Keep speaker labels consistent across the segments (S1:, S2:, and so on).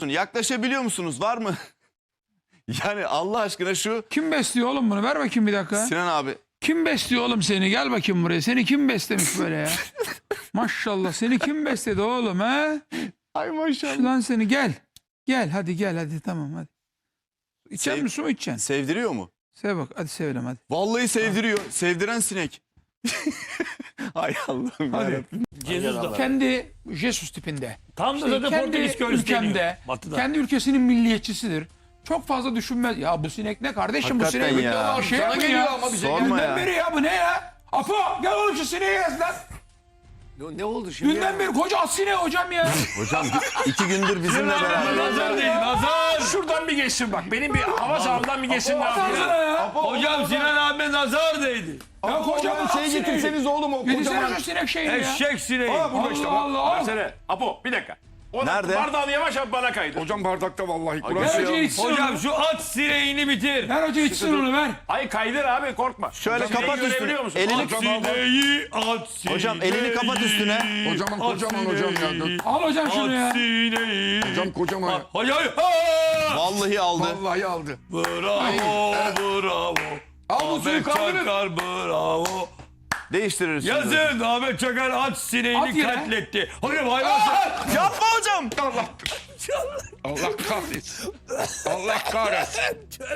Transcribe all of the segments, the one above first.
S1: Yaklaşabiliyor musunuz? Var mı? Yani Allah aşkına şu
S2: Kim besliyor oğlum bunu? Ver bakayım bir dakika.
S1: Sinan abi.
S2: Kim besliyor oğlum seni? Gel bakayım buraya. Seni kim beslemiş böyle ya? Maşallah seni kim besledi oğlum he?
S1: Ay maşallah.
S2: Şuradan seni gel. Gel hadi gel hadi tamam hadi. İçer misin su mu içeceksin?
S1: Sevdiriyor mu?
S2: Sev bak hadi sevelim hadi.
S1: Vallahi sevdiriyor. Sevdiren sinek. Ay Allah'ım
S2: Hadi.
S1: yarabbim.
S3: Jesus da.
S2: Kendi Jesus tipinde.
S3: Tam da
S2: İşte
S3: zaten
S2: kendi
S3: Portekiz köylüsü
S2: ülkemde,
S3: deniyor. Batı'da.
S2: kendi ülkesinin milliyetçisidir. Çok fazla düşünmez. Ya bu sinek ne kardeşim bu
S1: Hakikaten
S2: sinek?
S1: ya.
S2: Bir şey
S4: Sana
S2: yapın
S4: geliyor
S2: ya.
S4: ama bize
S1: Sorma
S2: Dünden
S1: ya.
S2: beri ya bu ne ya? Apo gel oğlum şu sineği yaz lan.
S4: Ne oldu şimdi?
S2: Dünden beri koca at sineği hocam ya.
S1: Hocam 2 gündür bizimle beraber.
S3: Nazar değil, nazar. Şuradan bir geçsin bak. Benim bir hava sahamdan bir geçsin.
S2: Baksana ya.
S3: Hocam Sinan abi nazar değdi.
S2: Ya kocaman at
S4: Şey
S2: sineği.
S4: getirseniz oğlum o
S2: Getirsene
S4: kocaman.
S2: şu sinek şeyini ya.
S3: Eşek sineği.
S4: Burada işte
S2: Allah Allah.
S5: Versene. Apo bir dakika. O
S1: Nerede?
S5: Bardağını yavaş yap bana kaydır.
S4: Hocam bardakta vallahi.
S2: Ver
S4: Kur'an.
S2: hoca içsin
S3: Hocam
S2: onu.
S3: şu at sineğini bitir.
S2: Ver hoca içsin onu ver.
S5: Ay kaydır abi korkma.
S1: Şöyle
S5: Sineği
S1: kapat üstünü.
S5: görebiliyor musun?
S1: Elini
S3: At sineği, at sineği.
S1: Hocam elini kapat üstüne.
S4: Kocaman kocaman hocam ya.
S2: Al hocam şunu ya.
S3: At sineği.
S4: Hocam kocaman.
S3: Hayır.
S1: Vallahi aldı.
S4: Vallahi aldı.
S3: Bravo, bravo.
S4: Al bu suyu
S3: Ahmet
S4: kaldırın.
S3: Çakar bravo.
S1: Değiştiririz. şimdi.
S3: Yazın Ahmet Çakar at
S2: At
S3: sineğini
S2: yine.
S3: katletti. Hocam hayvan.
S1: Yapma hocam.
S4: Allah kahretsin. Allah kahretsin.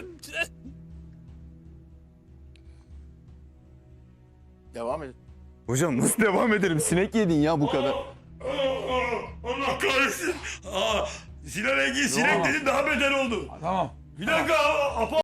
S5: Devam edin.
S1: Hocam nasıl devam edelim? Sinek yedin ya bu kadar.
S3: Allah kahretsin. Sinan Engin sinek dedi daha beter oldu.
S2: Tamam.
S3: Bir dakika. Apo.